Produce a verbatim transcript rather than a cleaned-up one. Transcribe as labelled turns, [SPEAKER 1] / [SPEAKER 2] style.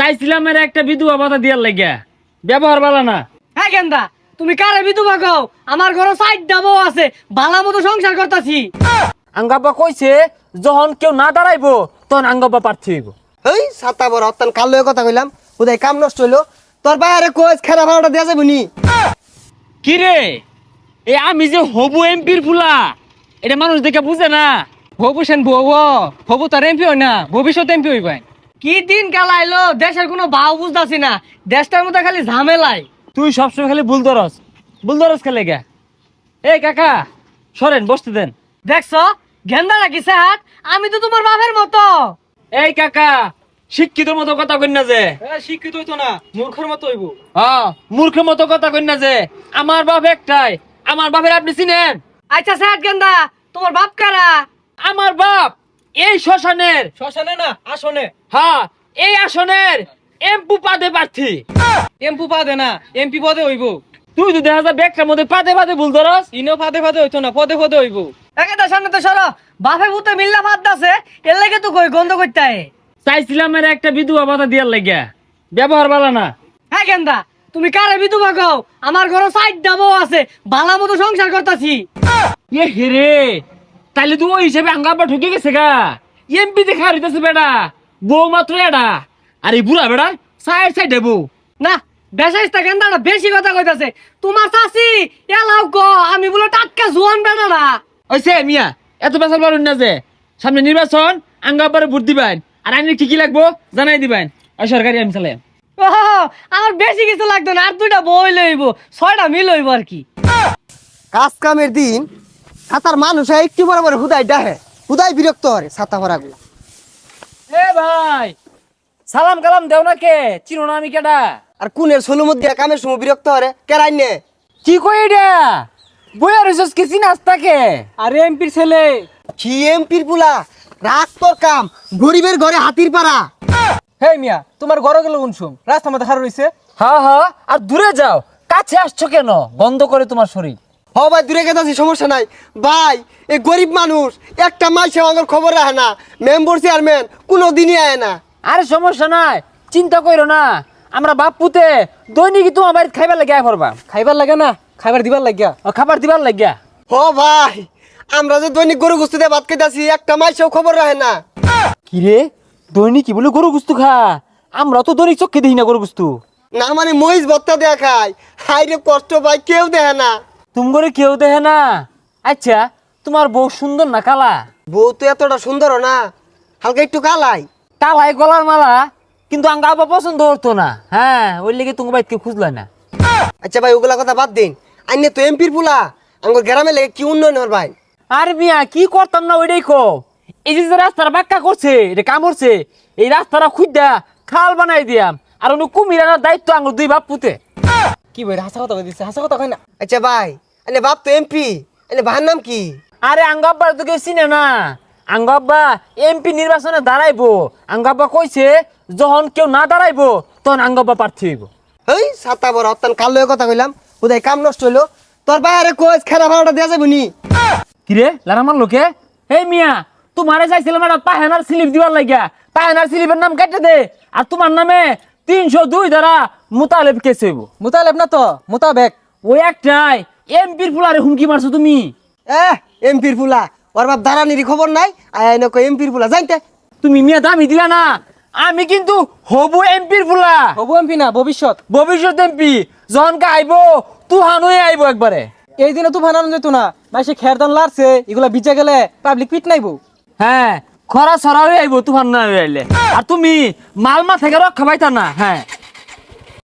[SPEAKER 1] চাইছিলাম এর একটা বিধবা ভাতা দিয়ার লাগিয়া, ব্যবহার ভালো না।
[SPEAKER 2] হ্যাঁ গেন্দা, তুমি কারে বিধবা কও? আমার ঘরে সাইড ডাবো আছে, ভালো মতো সংসার করতাছি।
[SPEAKER 1] আঙ্গাব্বা কইছে যখন কেউ না দাঁড়াইবো তখন আঙ্গাব্বা প্রার্থী হইব।
[SPEAKER 3] এই সাতা বড় অত্যান কাল লয়ে কথা কইলাম, উদয় কাম নষ্ট হইলো। তোর বাইরে কোচ খেলা ভাড়াটা দেওয়া যাবে নি?
[SPEAKER 1] কি রে, এ আমি যে হবু এমপির ফুলা, এটা মানুষ দেখে বুঝে না।
[SPEAKER 2] হবু সেন বউ, হবু তার এমপি হয় না, ভবিষ্যৎ এমপি হইবে। কি দিন কাল আইলো, দেশের কোনো ভাও বুঝতাছি না, দেশটার মধ্যে খালি ঝামেলাই।
[SPEAKER 1] তুই সবসময় খালি ভুল ধরস, ভুল ধরস খেলে গা। এই কাকা সরেন, বসতে দেন।
[SPEAKER 2] দেখছো গেন্দা নাকি হাত? আমি তো তোমার বাপের মতো।
[SPEAKER 1] এই কাকা, শিক্ষিতর মতো কথা কই না যে।
[SPEAKER 2] শিক্ষিত হইতো না, মূর্খের মতো হইব।
[SPEAKER 1] হ্যাঁ, মূর্খের মতো কথা কই না যে। আমার বাপ একটাই, আমার বাপের আপনি চিনেন?
[SPEAKER 2] আচ্ছা সাত গেন্দা, তোমার বাপ কারা?
[SPEAKER 1] আমার বাপ এই শ্মশানের,
[SPEAKER 2] শ্মশানে না আসনে।
[SPEAKER 1] হ্যাঁ এই আসনের এমপি পদে প্রার্থী।
[SPEAKER 2] এমপি পদে না, এমপি পদে হইব।
[SPEAKER 1] তুই তো দেখা যায় ব্যাগটার মধ্যে পাদে পাদে ভুল ধরস।
[SPEAKER 2] ইনো ফাদে ফাদে হইতো না, পদে পদে হইব। একেটা সামনে তো সরো, বাপে ভূতে মিল্লা ফাদ দাসে, এর লাগে তো কই গন্ধ করতে হয়।
[SPEAKER 1] চাইছিলাম এর একটা বিধবা ভাতা দিয়ার লাগিয়া, ব্যবহার ভালো না।
[SPEAKER 2] হ্যাঁ গেন্দা, তুমি কারে বিধবা কও? আমার ঘরে সাইড ডাবো আছে, ভালো মতো সংসার করতাছি।
[SPEAKER 1] এ হেরে, তাইলে তুই ওই হিসেবে আঙ্গাব্বা ঠকে গেছে গা। এমপি দেখা হইতেছে বেটা, বউ মাত্র এডা। আর এই বুড়া বেড়া সাইড সাইড বউ।
[SPEAKER 2] না বেশাইস্তা গেন্দাটা বেশি কথা কইতাছে। তোমার চাচি এলাও গো, আমি বলে টাটকা জোয়ান বেটারা।
[SPEAKER 1] ওইসে মিয়া, এত বেসাল পারুন না যে। সামনে নির্বাচন, আঙ্গাব্বারে ভোট দিবেন, আর আইনের কি কি লাগবো জানাই দিবেন। ওই সরকারি আমি চালাই।
[SPEAKER 2] ও আমার বেশি কিছু লাগতো না, আর দুইটা বই লইব, ছয়টা মিল হইব আর কি।
[SPEAKER 3] কাজ কামের দিন সাতার মানুষ একটু বড় বড় হুদাই ডাহে, হুদাই বিরক্ত হরে ছাতা ভরা গুলা।
[SPEAKER 1] এ ভাই, সালাম কালাম দেও না কে? চিনো না আমি কেডা?
[SPEAKER 3] আর কুনের ষোলো মধ্যে কামের সময় বিরক্ত হরে কেরাই নে।
[SPEAKER 1] কি কই এটা? বইয়া রইছস কি চিনাস তাকে?
[SPEAKER 2] আরে এমপির ছেলে।
[SPEAKER 3] কি এমপির পুলা, রাগ তোর কাম, গরিবের ঘরে হাতির পাড়া।
[SPEAKER 2] হে মিয়া, তোমার ঘরে গেল উনসুম, রাস্তা মধ্যে হার রইছে।
[SPEAKER 1] হ্যাঁ হ্যাঁ, আর দূরে যাও, কাছে আসছো কেন? বন্ধ করে তোমার শরীর।
[SPEAKER 3] হ ভাই দূরে গেছি, সমস্যা নাই ভাই। এই গরিব মানুষ একটা মাসে আমার খবর রাখে না, মেম্বার চেয়ারম্যান কোনো দিনই আয় না।
[SPEAKER 1] আরে সমস্যা নাই, চিন্তা করো না। আমরা বাপ পুতে দৈনিক তোমার বাড়িতে খাইবার লাগিয়া পড়বা।
[SPEAKER 2] খাইবার লাগে না, খাইবার দিবার লাগিয়া।
[SPEAKER 1] ও খাবার দিবার লাগিয়া।
[SPEAKER 3] হ ভাই, আমরা যে দৈনিক গরু গুস্তি দিয়ে ভাত খাইতেছি, একটা মাসেও খবর রাখে না।
[SPEAKER 1] কি রে, দৈনিক কি বলে গরু গুস্তু খা? আমরা তো দৈনিক চোখে দেখি না গরু গুস্তু।
[SPEAKER 3] না মানে মহিষ ভত্তা দেয়া খায়, হাই রে কষ্ট ভাই, কেউ দেখে না।
[SPEAKER 1] তুমি করে কেউ দেখে না? আচ্ছা, তোমার বউ সুন্দর না কালা?
[SPEAKER 3] বউ তো এতটা সুন্দর না, হালকা একটু কালাই।
[SPEAKER 1] কালাই গলার মালা, কিন্তু আঙ্গা আবার পছন্দ হতো না। হ্যাঁ, ওই লেগে তুমি বাইকে খুঁজলা না।
[SPEAKER 3] আচ্ছা ভাই ওগুলা কথা বাদ দিন, আইনে তো এমপির পুলা, আমার গ্রামে লেগে কি উন্নয়ন হর ভাই?
[SPEAKER 1] আর মিয়া কি করতাম না ওইটাই কো। এই যে যে রাস্তাটা বাক্কা করছে, এটা কাম করছে, এই রাস্তাটা খুঁজা খাল বানাই দিয়াম। আর উনি কুমির আনার দায়িত্ব আঙ্গুর দুই বাপ পুতে।
[SPEAKER 2] কি বই হাসা কথা কইছে, হাসা কথা কই না।
[SPEAKER 3] আচ্ছা ভাই, আইনে বাপ তো এমপি, আইনে ভাইয়ের নাম কি?
[SPEAKER 1] আরে আঙ্গাব্বা তো কেউ চিনে না। আঙ্গাব্বা এমপি নির্বাচনে দাঁড়াইবো। আঙ্গাব্বা কইছে যখন কেউ না দাঁড়াইবো তখন আঙ্গাব্বা প্রার্থী হইব।
[SPEAKER 3] এই সাতা বড় অত্যান কাল লয়ে কথা কইলাম, উদয় কাম নষ্ট হইলো। তোর বাইরে কোচ খেলা ভাড়াটা দেওয়া যাবে নি?
[SPEAKER 1] কিরে লারামার লোকে? এই মিয়া, তোমারে চাইছিলাম একটা পাহেনার স্লিপ দিবার লাগিয়া। পাহেনার স্লিপের নাম কেটে দে, আর তোমার নামে তিনশো দুই দ্বারা মোতালেব কেস হইব।
[SPEAKER 2] মুতালেব না তো, মুতাবেক।
[SPEAKER 1] ওই একটাই এমপির ফুলারে হুমকি মারছো তুমি।
[SPEAKER 3] এহ এমপির পুলা, ওর বাপ দাঁড়ানির খবর নাই, আয় আইনে কই এমপির পুলা জানতে।
[SPEAKER 1] তুমি মিয়া দামি দিলা না। আমি কিন্তু হবু এমপির ফুলা,
[SPEAKER 2] হবু এমপি না, ভবিষ্যৎ।
[SPEAKER 1] ভবিষ্যৎ এমপি। যখন কে আইব তুহান হয়ে আইব একবারে।
[SPEAKER 2] এই দিনে তো বানানো যেত না, মাসে খেরদান লারছে, এগুলা বিচে গেলে পাবলিক পিট নাইবো।
[SPEAKER 1] হ্যাঁ, খরা ছড়া হয়ে আইব তুফান না হয়ে আইলে। আর তুমি মালমা থেকে রক্ষা পাইতা না। হ্যাঁ।